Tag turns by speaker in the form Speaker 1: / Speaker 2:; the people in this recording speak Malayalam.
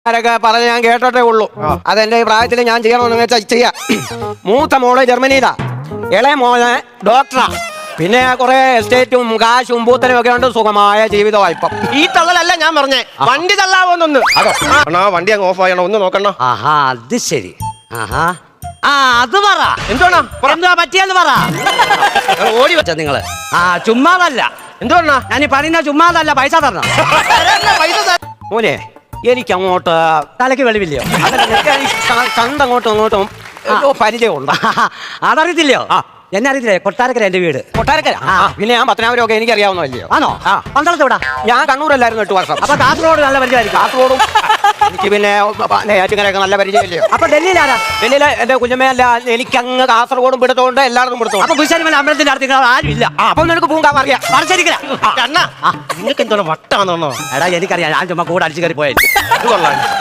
Speaker 1: ആരൊക്കെ പറഞ്ഞ് ഞാൻ കേട്ടോട്ടേ ഉള്ളൂ. അതെന്റെ പ്രായത്തിൽ ഞാൻ ചെയ്യണമെന്ന് വെച്ചാൽ ചെയ്യാം. മൂത്ത മോള് ജർമ്മനിയിലാ, ഇളയ മോളെ ഡോക്ടറാ, പിന്നെ കുറെ എസ്റ്റേറ്റും കാശും പൂത്തനും ഒക്കെ ഉണ്ട്. സുഖമായ ജീവിതമാണ് ഇപ്പം.
Speaker 2: ഈ തള്ളലല്ല ഞാൻ പറഞ്ഞേ, വണ്ടി തള്ളാവോന്നൊന്ന്. അണ്ണാ വണ്ടി അങ്ങ് ഓഫ് ആയണോ, ഒന്ന് നോക്കണ.
Speaker 3: ആഹാ, അത് ശരി. ആഹാ, ആ അത് പറ.
Speaker 2: എന്തുവാണാ
Speaker 3: എന്താ പറ്റിയെന്ന് പറ.
Speaker 2: ഓടി
Speaker 3: വെച്ച നിങ്ങള് ചുമ്മാതല്ല.
Speaker 2: എന്തുവാ
Speaker 3: ഞാൻ ഈ പറയുന്ന ചുമ്മാതല്ല, പൈസ തരണം.
Speaker 2: പൈസ
Speaker 1: മോനെ, എനിക്ക് അങ്ങോട്ട്
Speaker 3: തലക്ക് വെളിവില്ലയോ?
Speaker 1: കണ്ടങ്ങോട്ടും അങ്ങോട്ടും പരിചയമുണ്ട്.
Speaker 3: അതറിയത്തില്ലയോ? എന്നെ അറിയത്തില്ലേ? കൊട്ടാരക്കര എന്റെ വീട്.
Speaker 1: കൊട്ടാരക്കര. പിന്നെ ഞാൻ പത്തനാപുരം ഒക്കെ എനിക്ക് അറിയാവുന്നതല്ലയോ?
Speaker 3: ആണോ? പന്തളത്ത് വിടാ.
Speaker 1: ഞാൻ കണ്ണൂരല്ലായിരുന്നു 8 വർഷം.
Speaker 3: അപ്പൊ കാസർഗോഡ് നല്ല പരിചയമായിരിക്കും.
Speaker 1: കാസർഗോഡും എനിക്ക് പിന്നെ ഏറ്റുകരയൊക്കെ നല്ല പരിചയമില്ലയോ?
Speaker 3: അപ്പൊ ഡൽഹിയിലാരാ?
Speaker 1: ഡൽഹിയിലെ എന്റെ കുഞ്ഞമ്മയല്ല, എനിക്ക് അങ്ങ് കാസർഗോഡും പിടുത്തോണ്ട് എല്ലായിടത്തും പിടുത്തോ.
Speaker 3: അപ്പൊ കുശാരിമല അമ്പലത്തിന്റെ അടുത്ത് ആരും ഇല്ല.
Speaker 1: അപ്പൊ നിനക്ക് പൂങ്കാവ് അറിയാം.
Speaker 3: മറിച്ചിരിക്കല.
Speaker 2: നിങ്ങൾക്ക് എന്തോണം വട്ടാന്നോ?
Speaker 3: എടാ എനിക്കറിയാം, ഞാൻ ചുമ്മാ കൂടെ അടിച്ചു കയറി പോയാൽ.
Speaker 2: ഇത് കൊള്ളാം.